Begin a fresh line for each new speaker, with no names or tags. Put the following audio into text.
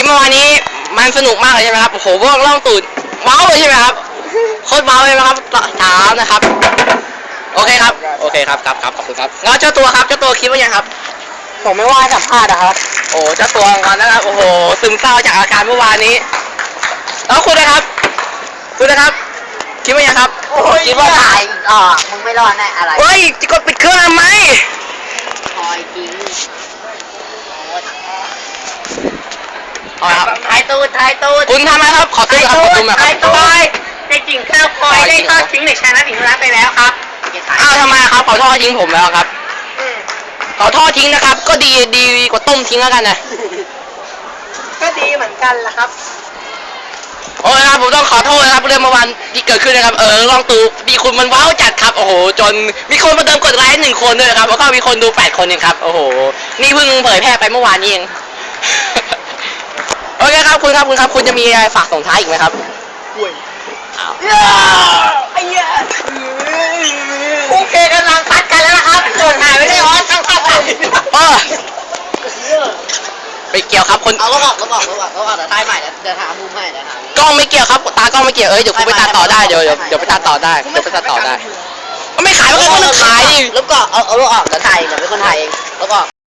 เมื่อวานนี้มันสนุกมากเลยใช่ไหมครับโอ้โหพวกล่องตูดเมาเลยใช่ไหมครับโคตรเมาเลยนะครับถามนะครับโอเคครับโอเคครับครับขอบคุณครับแล้วเจ้าตัวครับเจ้าตัวคิดว่ายังครับ
ผมไม่ว่าสัมภาษณ์นะครับ
โอ้เจ้าตัวงอนนะครับโอ้โหซึมเศร้าจากอาการเมื่อวานนี้แล้วคุณนะครับคิดว่ายังครับ
คิดว่าถ่ายมึงไม่รอดแน่อะไร
เฮ้ยจะกดปิดเครื่องทำไม
คอยจริง
เอาครับ
ถ่ายตูด
คุณทำไหมครับขอตู้ครับขอตู้มาครับ
ในจริงข้าวคอยได้ทอดทิ้งในชนะถึงร้านไปแล้วครับ
อ้าวทำไมครับขอทอดทิ้งผมแล้วครับขอทอดทิ้งนะครับก็ดีกว่าต้มทิ้งแล้วกันนะ
ก็ดีเหมือนกันล่ะครับ
โอ้ยครับผมต้องขอโทษนะครับเรื่องเมื่อวานที่เกิดขึ้นนะครับลองตูดีคุณมันว้าวจัดครับโอ้โหจนมีคนมาเติมกดไลค์1 คนด้วยครับแล้วก็มีคนดู8 คนเองครับโอ้โหนี่เพิ่งเผยแพร่ไปเมื่อวานนี้เองโอเคครับคุณจะมีอะไรฝากส่งท้ายอีกไหมครับ
ไอ้เหี้ยโอเคกำลังพัดกันแล้วนะครับโดนหายไปได้อ๋อทั้งภาพ
ไปเกี่ยวครับคน
เอาก็บอกเดี๋ยวท้ายใหม่เดี๋ยวหามุมใหม่เดี๋ยวหาก
ล้องไม่เกี่ยวครับตากล้องไม่เกี่ยวเดี๋ยวคุณไปตัดต่อได้เดี๋ยวไปตัดต่อได้ก็ไม่ขายมันก็ต้องขาย
แล้วก็เอาออกเดี๋ยวถ่ายเดี๋ยวเป็นคนถ่ายเองแล้วก็